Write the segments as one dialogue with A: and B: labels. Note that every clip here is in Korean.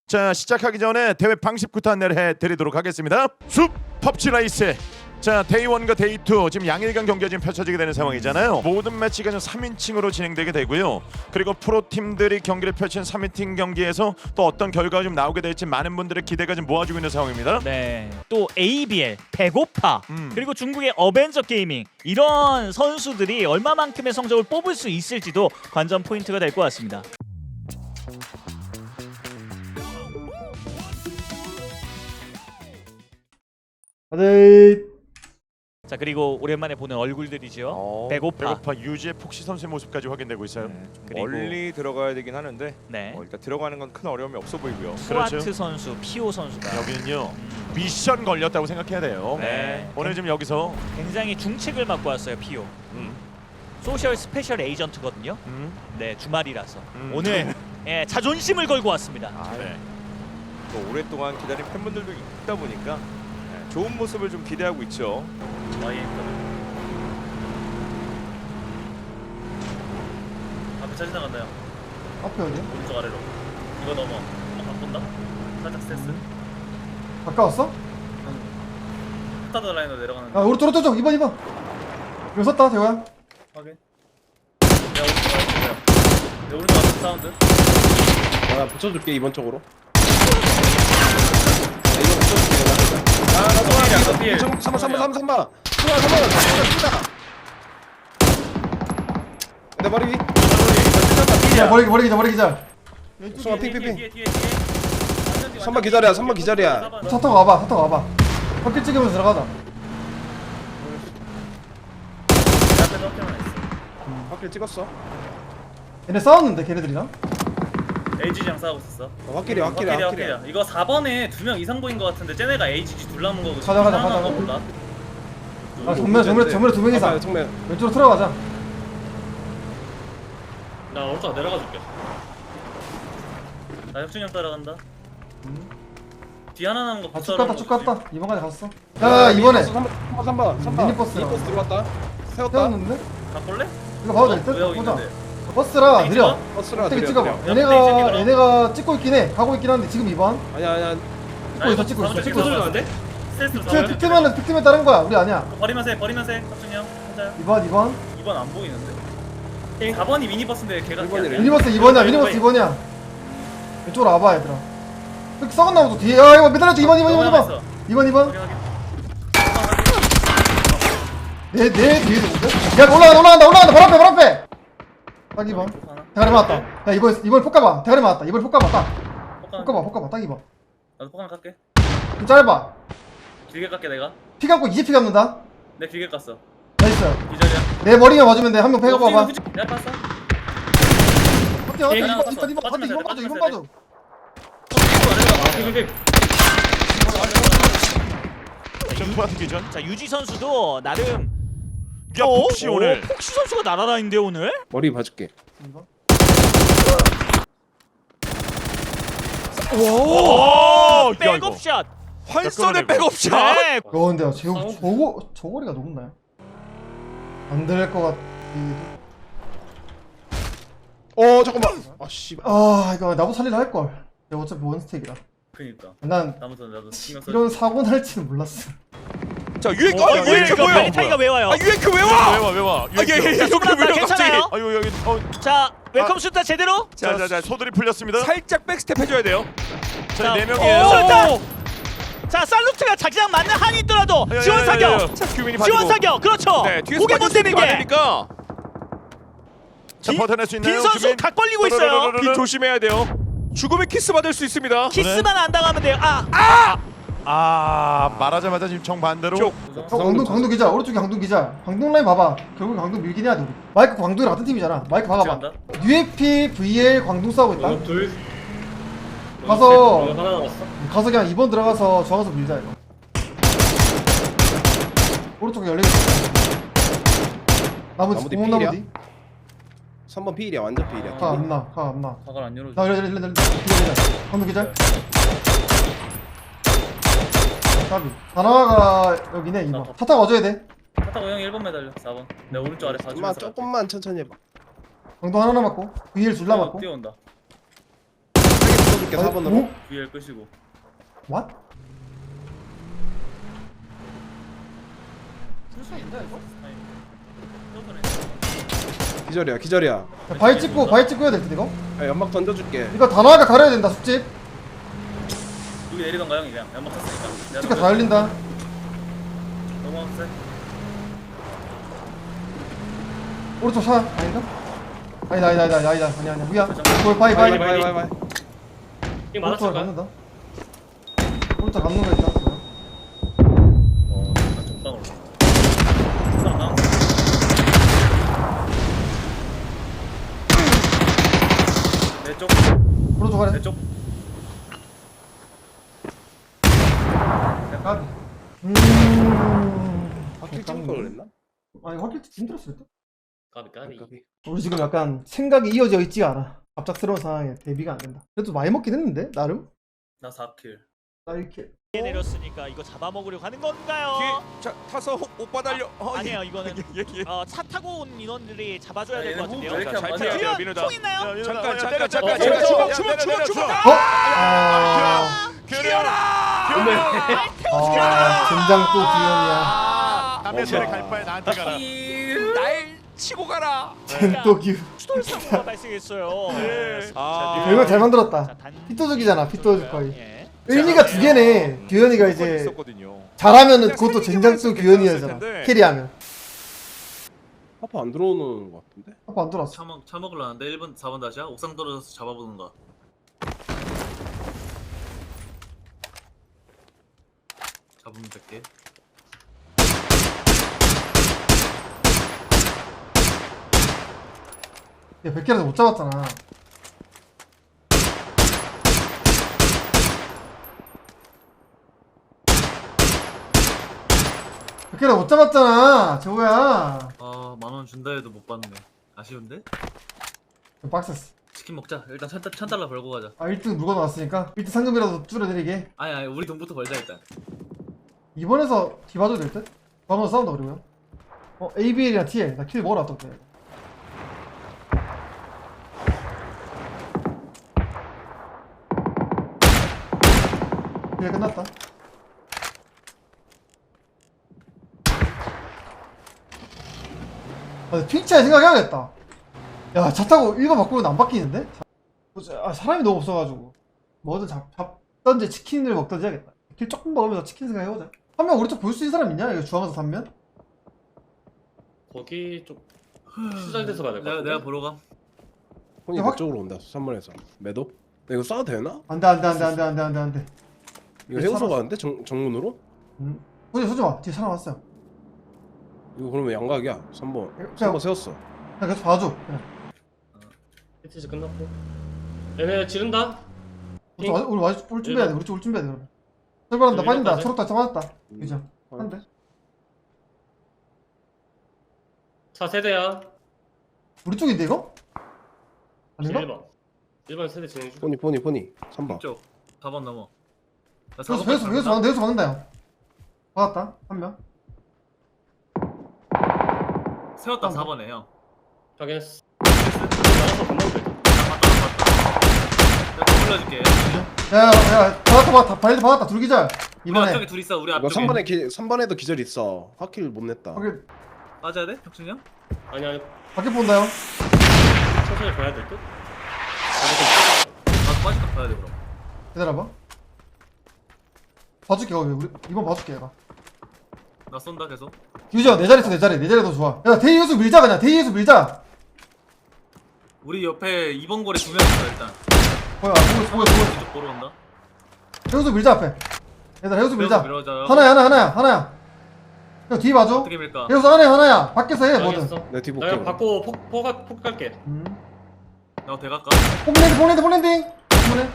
A: 자, 시작하기 전에 대회 방식부터 안내를 해드리도록 하겠습니다. 숲 펍지 라이스. 자, 데이 1과 데이 2 지금 양일간 경기가 지금 펼쳐지게 되는 상황이잖아요. 모든 매치가 좀 3인칭으로 진행되게 되고요. 그리고 프로팀들이 경기를 펼친 3인칭 경기에서 또 어떤 결과가 좀 나오게 될지 많은 분들의 기대가 좀 모아지고 있는 상황입니다.
B: 네. 또 ABL, 배고파, 그리고 중국의 어벤져 게이밍 이런 선수들이 얼마만큼의 성적을 뽑을 수 있을지도 관전 포인트가 될 것 같습니다.
C: 다들
B: 자, 그리고 오랜만에 보는 얼굴들이죠. 배고파.
A: 유지의 폭시 선수의 모습까지 확인되고 있어요.
B: 그리고
D: 멀리 들어가야 되긴 하는데
B: 네.
D: 일단 들어가는 건 큰 어려움이 없어 보이고요.
B: 스와트
A: 그렇죠.
B: 선수, 피오 선수가
A: 여기는요 미션 걸렸다고 생각해야 돼요.
B: 네.
A: 오늘 지금 여기서
B: 굉장히 중책을 맡고 왔어요. 피오. 소셜 스페셜 에이전트거든요. 네, 주말이라서 오늘 예, 자존심을 걸고 왔습니다.
A: 네.
D: 또 오랫동안 기다린 팬분들도 있다 보니까 좋은 모습을 좀 기대하고 있죠.
E: 앞에 차 지나간다요.
C: 앞에 어디야?
E: 오른쪽 아래로. 이거 넘어. 바꾼다. 살짝 스트레스.
C: 가까웠어?
E: 스타드 라인으로 내려가는데.
C: 아 오른쪽 2번 이거 섰다 대호야.
E: 확인. 내가 오른쪽 아래로. 내 오른쪽 앞에 사운드.
F: 나 붙여줄게 이번 쪽으로. 이거 붙여줄게.
E: 나 피해.
F: 3번. 내 머리 위.
C: 야 머리 기자.
F: 송아 핑.
E: 뒤에.
F: 3번 기다려. 3번 기다려.
C: 차 타고 와봐. 바퀴 찍으면서 들어가자.
E: 내 앞에 덕태만 있어.
F: 확킬 찍었어.
C: 얘네 싸웠는데 걔네들이랑.
E: AGG랑 싸우고 있었어.
F: 확킬이야.
E: 이거 4번에 2명 이상 보인 거 같은데 쟤네가 AGG 둘 남은 거고.
C: 가자.
E: 하나인 거 몰라.
C: 아 정면에 2명 이상.
F: 정면.
C: 왼쪽으로 들어가자.
E: 나 오른쪽 내려가 줄게. 나 혁준이 형 따라간다. 뒤 하나 남은 거
C: 쭉 갔다. 이번까지 갔어. 야 이번에
F: 3번.
C: 미니버스
F: 들어왔다. 세웠다.
C: 세웠는데?
E: 가볼래?
C: 이거 봐도 될 듯?
E: 왜 여기
C: 보자.
E: 있는데?
C: 버스라
E: 땡
C: 느려.
E: 찍어?
F: 버스라
C: 어떻게
F: 느려,
C: 찍어봐.
F: 느려.
C: 얘네가 찍고 있긴 해. 가고 있긴 한데 지금 2번.
F: 아니야.
C: 찍고 있어.
E: 스트레스로
C: 픽트면 다른 거야. 우리 아니야.
E: 버리면서 해 혁준이 형 혼자야.
C: 2번.
E: 2번 안 보이는데? 4번이 미니버스인데 걔가
F: 1번이래.
C: 미니버스 2번이야. 이쪽으로 와봐 얘들아. 이렇게 썩었나 보다 뒤에. 야 이거 매달렸지 2번. 2번. 내 뒤에도 뭔데? 야 올라간다 바로 앞에. 딱 2번. 대가리 맞았다. 야 이번 폭가봐. 대가리 맞았다. 이번 폭가봐 딱. 폭가봐 딱 2번.
E: 나도 포강 깎게.
C: 좀 짧아.
E: 길게 깎게 내가.
C: 피 감고 이제 피 감는다.
E: 내 길게 깠어.
C: 나이스.
E: 이 자리야.
C: 내 머리만 맞으면 돼. 한 명 패가 봐봐.
E: 야 깠어.
C: 어때?
E: 하나
C: 2번
E: 빠져,
C: 2번 봐줘.
A: 점프와 기전.
B: 자, 유지 선수도 나름
A: 야, 폭시 오늘.
B: 폭시 선수가 날아다니는데 오늘?
F: 머리 봐줄게.
C: 2번.
A: 오!
B: 백업샷.
A: 환선의 백업샷.
B: 네.
C: 근데 저거리가 높나요? 안 될 것 같기도.
F: 잠깐만. 아 씨발.
C: 아 이거 나도 살리려 할 걸. 내가 어차피 원스택이라.
E: 그니까.
C: 난
E: 나도 신경 써.
C: 이런 사고 날지는 몰랐어.
D: 자 유행
B: 유행크
D: 뭐야?
B: 페니타이가 왜 와요?
D: 유행크 왜 와?
A: 왜 와?
D: 여기 왜
B: 괜찮아요.
D: 갑자기?
A: 아유 여기
B: 자, 웰컴 슈타 제대로.
A: 자, 소들이 풀렸습니다.
D: 살짝 백스텝 해줘야 돼요.
A: 자, 네
B: 오!
A: 명이에요.
B: 자, 살루트가 자기장 맞는 한이 있더라도 지원 사격.
D: 자 규민이
B: 지원 사격. 그렇죠.
D: 네 뒤에서
B: 고개 못 대는 게.
D: 되니까
A: 자, 버텨낼 수 있나요?
B: 빈 선수
A: 규민?
B: 각 벌리고 있어요.
D: 빈 조심해야 돼요. 죽음의 키스 받을 수 있습니다.
B: 키스만 안 당하면 돼요.
A: 말하자마자 지금 정반대로.
D: 쪽.
C: 광동 기자 오른쪽에 광동 기자. 광동 라인 봐봐. 결국 광동 밀긴 해야 돼. 우리. 마이크 광동이랑 같은 팀이잖아. 마이크 봐봐. UFP VL 광동 싸우고 있다.
E: 둘.
C: 가서
E: 하나 남았어.
C: 그냥 2번 들어가서 저가서 밀자 이거. 오른쪽에 열리고 있어. 나머지
F: 나머지
C: 구멍
F: 필이야?
C: 나머지.
F: 3번 피일이야. 완전 피일이야.
C: 가 안 나.
E: 가갈 안 열어줘.
C: 나 이래. 광동 기자. 까비. 다나와가 여기네 2번. 차 타고 와줘야 돼.
E: 타타고 형 1번 매달려. 4번. 내 오른쪽 아래 봐주면서.
F: 조금만 천천히 해봐.
C: 광동 하나 남았고 VL 둘 남았고.
E: 뛰어온다.
F: 던져줄게 4번으로.
E: VL 끄시고.
C: What?
F: 기절이야 기절이야.
C: 야, 바위 찍고 해야 될 듯 이거?
F: 야, 연막 던져줄게.
C: 이거 단호하게 가려야 된다 숲집.
E: 여기 내리던가 형이 그냥 연막 탔으니까.
C: 숲집가 다 열린다.
E: 너무 세.
C: 오른쪽 차 아닌가? 아니다 아니야 위야. 바위
F: 바이.
E: 이
C: 오른쪽으로
E: 맞았을까?
C: 감는다. 오른쪽 감는 거 있다.
E: 나 전방으로. 사람 나왔어. 내 쪽.
C: 오른쪽 가래.
E: 내 쪽.
C: 까비.
F: 바퀴 찍을 걸 그랬나?
C: 아니 확실히 힘들었을 때.
E: 까비.
C: 우리 지금 약간 생각이 이어져 있지가 않아. 갑작스러운 상황에 대비가 안 된다. 그래도 많이 먹긴 했는데 나름.
E: 나 4킬.
C: 나 이렇게.
B: 내렸으니까 이거 잡아먹으려고 하는 건가요?
D: 뒤에 자 타서 오빠 달려.
B: 아니에요 이거는 차 타고 온 인원들이 잡아줘야 될 것 같은데요.
E: 왜 이렇게
D: 잘
E: 안
D: 타야
E: 맞냐?
D: 돼요,
B: 규현
D: 민우다.
B: 총 있나요?
D: 잠깐
B: 어,
D: 주먹.
A: 규현아.
C: 젠장 또 규현이야.
A: 남의 손에 갈 바에 나한테 가라.
D: 날 치고 가라.
C: 또 규.
B: 추돌 사고가 발생했어요.
C: 이거 잘 만들었다.
B: 자,
C: 핏도둑이잖아 핏도둑 거의.
B: 예.
C: 의미가 두 개네. 규현이가 이제
D: 있었거든요.
C: 잘하면은 그것도 젠장수 규현이잖아. 캐리하면.
F: 파파 안 들어오는 것 같은데?
C: 아빠 안 들어왔어.
E: 차 먹으려는데 1번 4번 다시야? 옥상 떨어져서 잡아보는 거야. 잡으면 될게.
C: 야 100개라도 못 잡았잖아. 몇 개를 못 잡았잖아, 재호야.
E: 아, 10,000원 준다 해도 못 받네. 아쉬운데?
C: 빡셌어.
E: 치킨 먹자. 일단 1,000달러 벌고 가자.
C: 아 1등 물건 나왔으니까 1등 상금이라도 줄여드리게.
E: 아니 우리 돈부터 벌자 일단.
C: 이번에서 뒤봐도 될 듯? 한번 싸운다 그리고요. ABL이랑 TL 나 킬 먹으러 왔다 올게. 킬 끝났다. 트위치에 생각해야겠다. 야, 차 타고 1번 바꾸면 안 바뀌는데? 사람이 너무 없어가지고 뭐든 잡던지 치킨을 먹던지 해야겠다. 길 조금 먹으면서 치킨 생각해보자. 한 명 우리 쪽 볼 수 있는 사람 있냐? 이거 주황에서 단면?
G: 거기 좀 수잘돼서 가야 될것 같은데?
E: 내가 보러 가.
F: 혼이
C: 야,
F: 내 쪽으로 온다 3번에서. 매도? 나 이거 쏴도 되나?
C: 안돼.
F: 이거 해우소 가는데? 정문으로?
C: 소지마. 뒤에 사람 왔어요.
F: 이거 그러면 양각이야 3번.
C: 그냥-
F: 3번 세웠어.
C: 그냥 계속 봐줘. 그냥.
G: 히트즈 끝났고 얘네 지른다?
C: 우리 올 준비해야 돼. 우리 쪽 올 준비해야 돼. 그러면. 설발한다. 빠진다.
G: 일반까지?
C: 초록다. 잡았다. 그죠? 한대.
G: 차 세대야
C: 우리 쪽인데 이거? 아닌가?
G: 1번 세대 진행 중
F: 포니 3번.
E: 이쪽 4번 넘어. 나
C: 여기서 막는다 형. 받았다. 한 명.
E: 세웠다 4번에 형.
G: 확인했어 나가서 금방 돼
E: 내가 더 불러줄게.
C: 야, 받았다. 바일드 받았다. 둘기절.
E: 우리
C: 이번에.
E: 앞쪽에 둘 있어. 우리
F: 이거
E: 앞쪽에.
F: 3번에도 기절 있어. 화킬 못 냈다.
C: 거기
E: 빠져야 돼? 혁준이 형?
G: 아니
C: 밖에 본다 형.
G: 천천히 봐야 될 듯?
E: 나도 빠질까 봐야 돼 그럼.
C: 기다려봐. 봐줄게 거기. 우리 이번 봐줄게 얘가.
E: 나 쏜다 계속.
C: 유지야 내 자리 있어 내 자리 더 좋아. 야 대이유수 밀자 그냥 대이유수 밀자.
E: 우리 옆에 2번 고래 2명 있어 일단.
C: 뭐야 보고
E: 이쪽 보러 온다.
C: 해우수 밀자 앞에. 얘들아 해우수 밀자.
E: 밀어줘요.
C: 하나야. 형 뒤 봐줘.
E: 어떻게 밀까?
C: 해우수 안에 하나야. 밖에서 해 뭐든.
G: 확인했어
F: 내 뒤
G: 나
F: 볼게.
G: 이거 받고 폭 갈게
E: 나 대갈까?
C: 폴랜딩. 이번에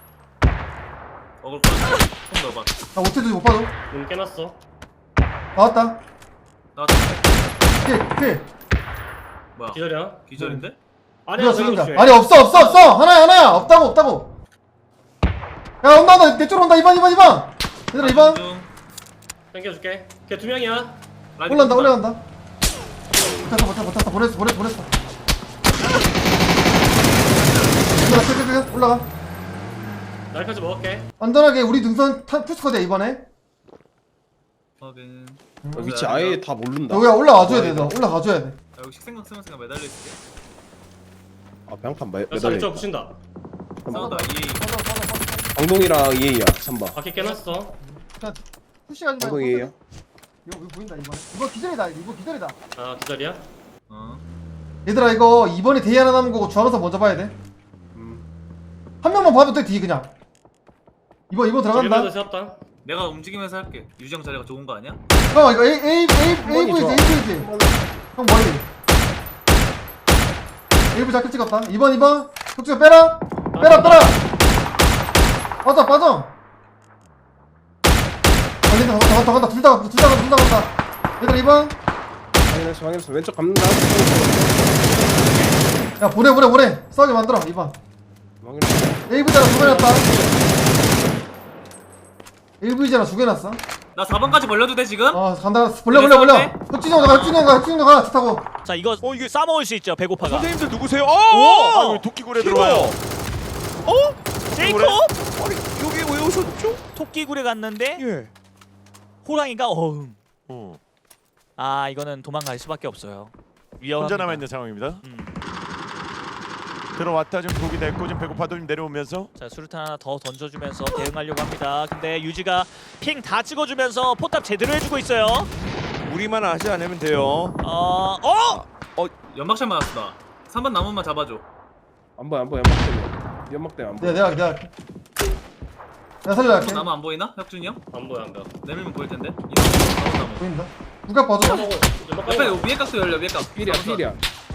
E: 어글 좀 넣어봐.
C: 나 오태도 못 봐줘.
G: 문 깨놨어
C: 나왔다.
E: 나왔다.
C: 킬.
E: 뭐야?
G: 기다려
E: 기절인데?
G: 아니야
C: 누가
G: 저기
C: 죽인다.
G: 조심해
C: 아니 없어. 하나야. 없다고. 야 온다. 내 쪽으로 온다. 2번. 얘들아 2번.
E: 중.
G: 당겨줄게 걔 2명이야
E: 라이딩
C: 올라간다. 못했어. 보냈어. 올라가.
G: 날까지 먹을게.
C: 안전하게 우리 등선 푸스커드야 이번에.
E: 확인.
F: 위치 아예 다 모른다.
C: 여기야 올라와줘야 돼. 너 올라가줘야 돼.
E: 야, 여기 식생각 쓰면서 매달려 있을게.
F: 아 병판
G: 야,
F: 매달려.
G: 사리쪽 붙인다.
E: 싸운다. EA.
F: 방동이랑 EA야 3번.
G: 바퀴 깨놨어.
C: 그냥 푸시하지 말고.
F: 방동 EA야.
C: 이거 보인다 이번에. 이거 기절이다. 이거 기절이다.
G: 아, 기다려.
E: 어.
C: 얘들아 이거 이번에 대위 하나 남은 거고 중앙선 먼저 봐야 돼. 한 명만 봐도 돼 뒤 그냥. 이번
G: 일반도
C: 들어간다.
G: 세웠다.
E: 내가 움직이면서 할게. 유정 자리가 좋은 거 아니야?
C: 형 이거 A V지
F: 좋아.
C: A V지. 형 머리. A 자켓 찍었다. 2번 혁주야 빼라. 빼라. 빠져. 간다. 둘 다 간다. 얘들아 2번.
F: 방에서 왼쪽 감는다.
C: 야 보내. 싸우게 만들어 2번.
F: 방에서
C: AV잖아 죽여놨다. AV잖아 죽여놨어.
E: 나 4번까지 벌려도 돼 지금?
C: 간다. 벌려. 혁진이 형 가. 차 타고.
B: 자 이거 싸먹을 수 있죠 배고파가.
D: 선생님들 누구세요?
B: 오!
A: 아, 토끼굴에 들어와요.
B: 제이콥
D: 아니 여기 왜 오셨죠?
B: 토끼굴에 갔는데
D: 예.
B: 호랑이가 어흥.
A: 어.
B: 아 이거는 도망갈 수밖에 없어요. 위험합니다.
A: 혼자 남아 있는 상황입니다.
B: 음.
A: 들어왔다 지금 독이 됐고 지금 배고파도 좀 내려오면서
B: 자 수류탄 하나 더 던져주면서 대응하려고 합니다. 근데 유지가 핑 다 찍어주면서 포탑 제대로 해주고 있어요.
D: 우리만 하지 않으면 돼요.
E: 연막샷 맞았어 나. 3번 나무만 잡아줘.
F: 안 보여 연막 때문에 안 보여.
C: 내가 살려갈게.
E: 나무 안 보이나? 혁준이 형?
G: 안 보여.
E: 내밀면 보일 텐데. 이 나무.
C: 보인다. 누가 봐줘.
E: 옆에 위에 깍도 열려 위에 깍.
F: 필이야.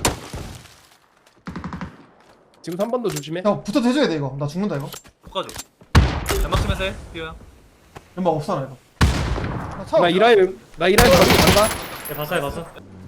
F: 지금 3번도 조심해.
C: 형 붙어도 해줘야 돼 이거. 나 죽는다 이거.
E: 볶아줘. 연막치면서 해. 피오 형.
C: 연막 없어 나 이거.
F: 나 이라인 간다.
G: 봤어.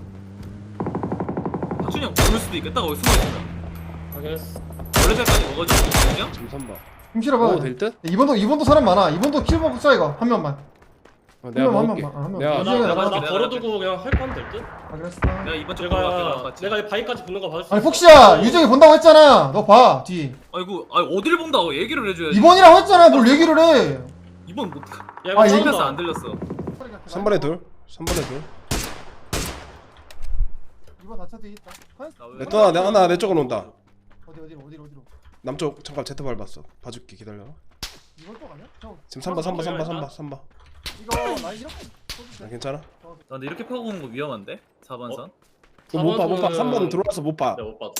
E: 혁준이 형 모를 수도 있겠다. 거기 숨어 있어.
G: 확인했어.
E: 원래 전까지 먹어줘. 혁준이 형?
F: 지금 3번.
C: 힘 실어봐.
F: 먹어도 될 듯?
C: 이번도 사람 많아. 이번도 킬 먹고 쏴 이거 한 명만.
F: 내가
C: 한
F: 먹을게.
C: 명만. 한 명만.
F: 내가
C: 유지가
E: 나-
C: 나가.
E: 나-
G: 나 걸어두고 그냥 할 거면 될 듯?
C: 그랬어.
E: 내가 이번 쪽 걸어갈게. 나랑 같이.
G: 내가 이 바위까지 붙는 거 봐줄 수
C: 아니
G: 있어.
C: 폭시야 유정이 본다고 했잖아. 너 봐 뒤.
E: 아이고 어디를 본다고 얘기를 해줘야지.
C: 2번이라고 했잖아. 뭘 얘기를 해.
E: 이번 못.
G: 야, 이거
C: 아,
G: 처음
E: 들렸어
G: 봐.
E: 안 들렸어.
F: 3번에 둘.
C: 2번 다차 뒤에 있다.
F: 하나 내 쪽으로 온다.
C: 어디로?
F: 남쪽 잠깐 Z 밟았어. 봐줄게 기다려.
C: 2번 쪽 아니야? 형
F: 지금 3번.
C: 이거 나 이렇게.
F: 나 괜찮아?
E: 나 근데 이렇게 파고 오는 거 위험한데? 4번 선.
F: 못 봐.
G: 4번은
F: 3번은 들어와서 못 봐.
G: 내가 못 봤어.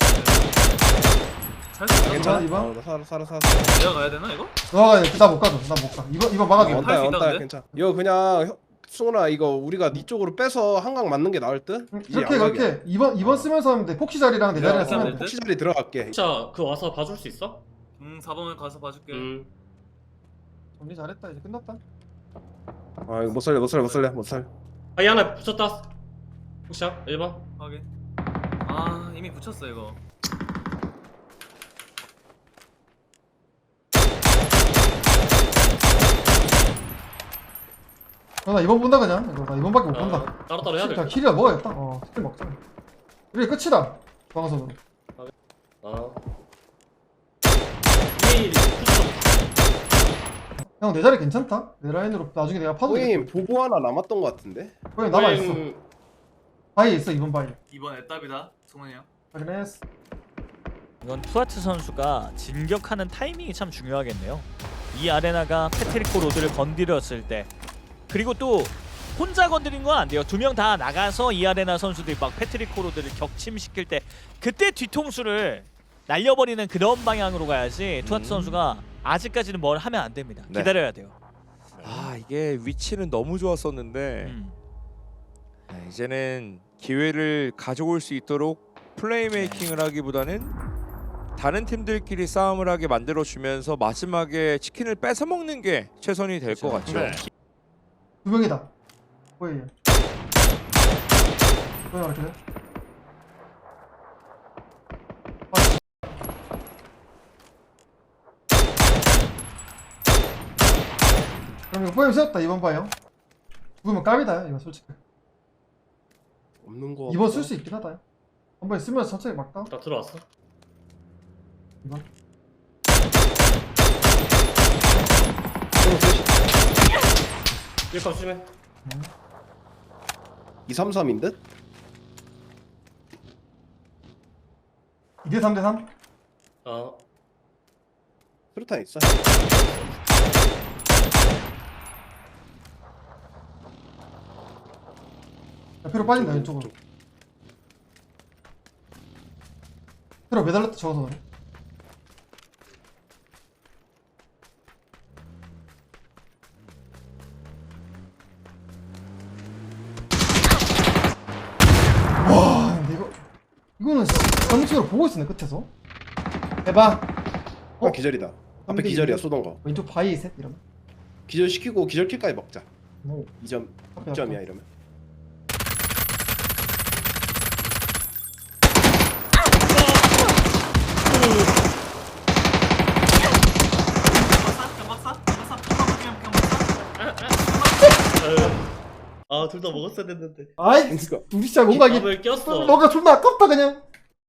E: 살수 있나?
F: 괜찮아?
C: 이번?
F: 나 살아.
E: 내가 가야 되나 이거?
C: 너가 나 못 가줘. 나 못 가. 2번 막아줘.
E: 할 수 있다, 근데?
F: 괜찮아. 이거 그냥 승훈아 이거 우리가 네 쪽으로 빼서 한강 맞는 게 나을 듯? 이제 양각이야.
C: 그렇게 2번 쓰면서 하면 돼. 폭시 자리랑 내 자리랑 쓰면 돼.
F: 폭시 자리 들어갈게.
G: 진짜 그 와서 봐줄 수 있어?
E: 4번을 가서 봐줄게.
C: 정리 잘했다. 이제 끝났다.
F: 아 이거 못 살려.
G: 바위 하나 붙였다. 혹시야 1번?
E: 확인. 아 이미 붙였어 이거.
C: 나 2번 본다 그냥. 이거 나 2번밖에 못 본다.
G: 따로따로 해야 돼.
C: 자 킬이야 먹어야겠다. 킬 먹자. 이게 끝이다. 방송으로.
G: 이 붙였어.
C: 형 내 자리 괜찮다. 내 라인으로 나중에 내가 파도.
F: 호임 보고 하나 남았던 것 같은데?
C: 호임 남아 있어. 바위 있어 2번 바위.
E: 2번 애답이다. 승훈이 형.
C: 확인했어.
B: 이건 투아트 선수가 진격하는 타이밍이 참 중요하겠네요. 이 아레나가 패트리코 로드를 건드렸을 때 그리고 또 혼자 건드린 건 안 돼요. 2명 다 나가서 이 아레나 선수들이 막 패트리코 로드를 격침시킬 때 그때 뒤통수를 날려버리는 그런 방향으로 가야지 투아트 선수가 아직까지는 뭘 하면 안 됩니다.
D: 네.
B: 기다려야 돼요.
D: 아 이게 위치는 너무 좋았었는데 이제는 기회를 가져올 수 있도록 플레이메이킹을 하기보다는 다른 팀들끼리 싸움을 하게 만들어주면서 마지막에 치킨을 뺏어 먹는 게 최선이 될 것 같죠.
A: 네.
C: 2명이다. 호임. 호임 이렇게 돼. 그럼 이거 포엠 세웠다 2번 봐요. 죽으면 깝이다 이거 솔직히.
F: 없는 거.
C: 2번 쓸 수 있긴 하다. 한 번에 쓰면서 천천히 막다.
G: 나 들어왔어.
C: 2번.
G: 1번 조심해.
F: 233인 듯?
C: 2대 3대 3?
G: 어.
F: 수류탄 있어.
C: 옆으로 빠진다 왼쪽으로. 옆으로 매달렸다 적어서 그래. 와 근데 이거는 정식으로 보고 있었네 끝에서. 해봐.
F: 어? 기절이다. 앞에 기절이야 쏘던 거.
C: 왼쪽 바위 셋 이러면.
F: 기절 시키고 기절킬까지 먹자.
C: 오.
F: 2점
C: 앞에
F: 6점이야 이러면.
G: 아, 둘 다 먹었어야 됐는데.
C: 아이
F: 그러니까.
C: 우리 진짜 뭔가 이게
G: 밥을 꼈어.
C: 뭔가 존나 아깝다 그냥.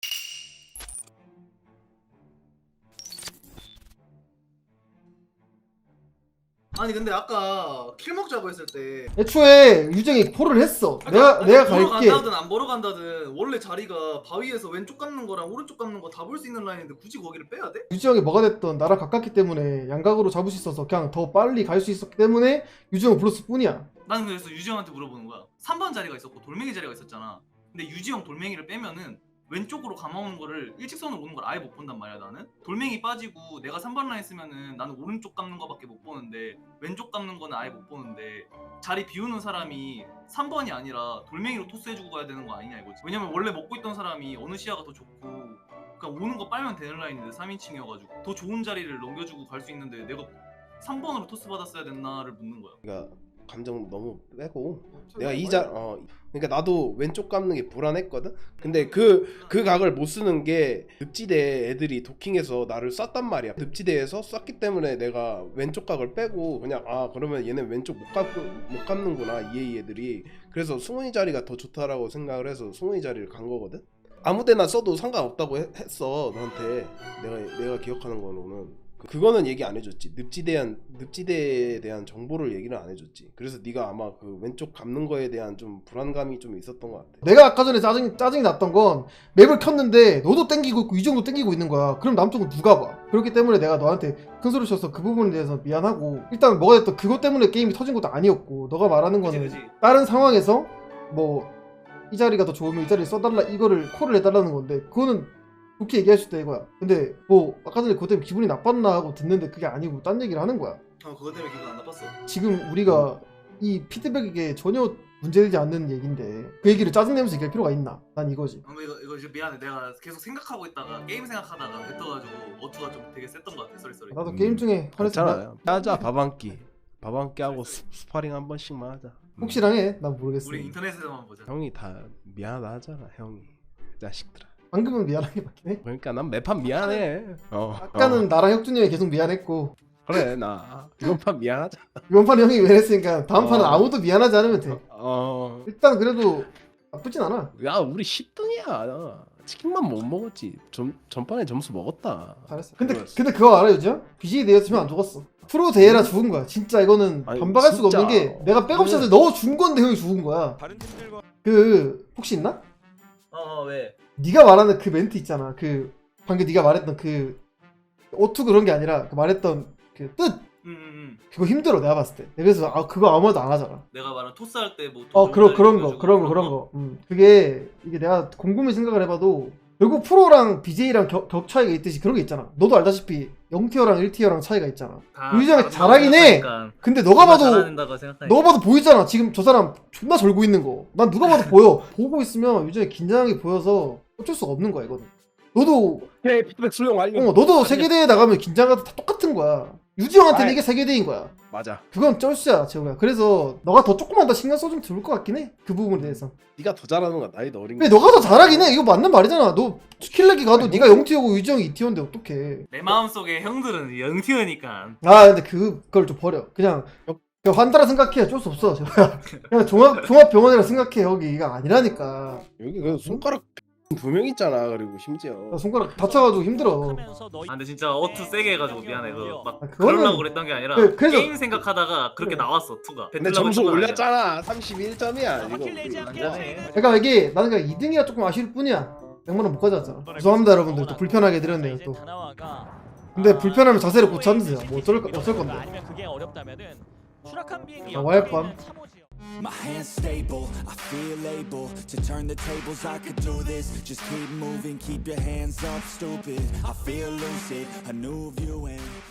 H: 아니 근데 아까 킬 먹자고 했을 때
C: 애초에 유정이 폴을 했어. 내가
H: 보러
C: 갈게.
H: 간다든 안 보러 간다든 원래 자리가 바위에서 왼쪽 감는 거랑 오른쪽 감는 거 다 볼 수 있는 라인인데 굳이 거기를 빼야 돼?
C: 유지형이 뭐가 됐던 나랑 가깝기 때문에 양각으로 잡을 수 있어서 그냥 더 빨리 갈 수 있었기 때문에 유지형을 불렀을 뿐이야.
H: 나는 그래서 유지형한테 물어보는 거야. 3번 자리가 있었고 돌멩이 자리가 있었잖아. 근데 유지형 돌멩이를 빼면은 왼쪽으로 감아오는 거를 일직선으로 오는 걸 아예 못 본단 말이야 나는. 돌멩이 빠지고 내가 3번 라인 쓰면은 나는 오른쪽 감는 거밖에 못 보는데 왼쪽 감는 거는 아예 못 보는데 자리 비우는 사람이 3번이 아니라 돌멩이로 토스해주고 가야 되는 거 아니냐 이거지. 왜냐면 원래 먹고 있던 사람이 어느 시야가 더 좋고 그러니까 오는 거 빨면 되는 라인인데 3인칭이어가지고 더 좋은 자리를 넘겨주고 갈 수 있는데 내가 3번으로 토스 받았어야 됐나를 묻는 거야.
F: 그러니까 감정 너무 빼고 내가 그러니까 나도 왼쪽 감는 게 불안했거든. 근데 그 각을 못 쓰는 게 늪지대 애들이 도킹해서 나를 쐈단 말이야. 늪지대에서 쐈기 때문에 내가 왼쪽 각을 빼고 그냥 그러면 얘네 왼쪽 못 감는구나 EA 애들이. 그래서 승훈이 자리가 더 좋다라고 생각을 해서 승훈이 자리를 간 거거든. 아무데나 써도 상관없다고 했어 너한테. 내가 기억하는 거는 그거는 얘기 안 해줬지. 늪지대에 대한 정보를 얘기를 안 해줬지. 그래서 네가 아마 그 왼쪽 감는 거에 대한 좀 불안감이 좀 있었던 것 같아.
C: 내가 아까 전에 짜증이 났던 건 맵을 켰는데 너도 땡기고 있고 유정도 땡기고 있는 거야. 그럼 남쪽은 누가 봐? 그렇기 때문에 내가 너한테 큰 소리 쳐서 그 부분에 대해서 미안하고 일단 뭐가 됐든 그것 때문에 게임이 터진 것도 아니었고 너가 말하는 거는
H: 그치.
C: 다른 상황에서 뭐 이 자리가 더 좋으면 이 자리를 써달라 이거를 콜을 해달라는 건데 그거는 좋게 얘기할 수 있다 이거야. 근데 뭐 아까 전에 그것 때문에 기분이 나빴나 하고 듣는데 그게 아니고 딴 얘기를 하는 거야.
H: 그것 때문에 기분 안 나빴어.
C: 지금 우리가 이 피드백에 전혀 문제되지 않는 얘기인데 그 얘기를 짜증내면서 얘기할 필요가 있나? 난 이거지.
H: 이거 이제 미안해. 내가 계속 생각하고 있다가 게임 생각하다가 뱉어가지고 어투가 좀 되게 셌던 것 같아. 쏘리.
C: 나도 게임 중에
F: 괜찮아. 하자 밥 한 끼 하고 스파링 한 번씩만 하자.
C: 혹시랑 해? 난 모르겠어.
H: 우리 인터넷에서만 보자.
F: 형이 다 미안하다 하잖아 형이. 자식들아.
C: 방금은 미안하게 맞긴 해.
F: 그러니까 난 매판 미안해.
C: 아까는 나랑 혁준님이 계속 미안했고
F: 그래 나 이번 판 미안하자.
C: 이번 판에 형이 미안했으니까 다음 판은 아무도 미안하지 않으면 돼. 일단 그래도 나쁘진 않아.
F: 야 우리 10등이야. 치킨만 못 먹었지. 전판에 점수 먹었다.
C: 잘했어. 근데 그거 알아 요즘? BJ 대회였으면 안 죽었어. 프로 대회라 죽은 거야. 진짜 이거는
F: 아니,
C: 반박할 수가
F: 진짜.
C: 없는 게 내가 백업샷을 넣어준 건데 형이 죽은 거야.
D: 다른 팀들과
C: 그 혹시 있나?
H: 왜?
C: 네가 말하는 그 멘트 있잖아. 그 방금 네가 말했던 그 오투 그런 게 아니라 그 말했던 그 뜻. 그거 힘들어 내가 봤을 때. 그래서 그거 아무도 안 하잖아.
H: 내가 말한 토스 할 때 뭐.
C: 그런 거. 그게 이게 내가 곰곰이 생각을 해봐도 결국 프로랑 BJ랑 격 차이가 있듯이 그런 게 있잖아. 너도 알다시피 0티어랑 1티어랑 차이가 있잖아. 유지형이 잘하긴 해. 근데 너가 봐도 보이잖아. 지금 저 사람 존나 절고 있는 거. 난 누가 봐도 보여. 보고 있으면 유지형이 긴장하게 보여서 어쩔 수가 없는 거야 이거는. 너도
F: 피드백 수용 완료.
C: 너도 세계대회 나가면 긴장하도 다 똑같은 거야. 유지형한테는 이게 세계대회인 거야.
F: 맞아.
C: 그건 쩔수야 재호야. 그래서 너가 더 조금만 더 신경 써주면 좋을 것 같긴 해. 그 부분에 대해서.
F: 네가 더 잘하는 거야. 나이도 어린
C: 근데 너가 더 잘하긴 해. 이거 맞는 말이잖아. 너 스킬렉이 가도 네가 0티어고 유지형이 2티어인데 어떡해.
H: 내 마음속에 형들은 0티어니까.
C: 근데 그걸 좀 버려. 그냥 환자라 생각해. 어쩔 수 없어 재호야. 그냥 종합병원이라 생각해. 여기가 아니라니까.
F: 여기 그 손가락 두 명 있잖아. 그리고 심지어
C: 나 손가락 다쳐가지고 힘들어.
H: 아 근데 진짜 어투 세게 해가지고 미안해. 막
C: 그거는-
H: 그러려고 그랬던 게 아니라
C: 그래서-
H: 게임 생각하다가 그렇게
C: 그래.
H: 나왔어 투가.
F: 근데 점수 올렸잖아. 31점이야.
C: 그러니까 이게 나는 그냥 2등이라 조금 아쉬울 뿐이야. 100만원 못 가져왔잖아. 죄송합니다 여러분들. 또 불편하게 해드렸네요 또. 근데 불편하면 자세를 고쳐주세요. 뭐 어쩔 건데.
B: 아니면 그게 어렵다면은 추락한 비행기
C: 자, 와이프함.
I: My hands stable, I feel able to turn the tables. I could do this. Just keep moving, keep your hands up, stupid. I feel lucid, a new view and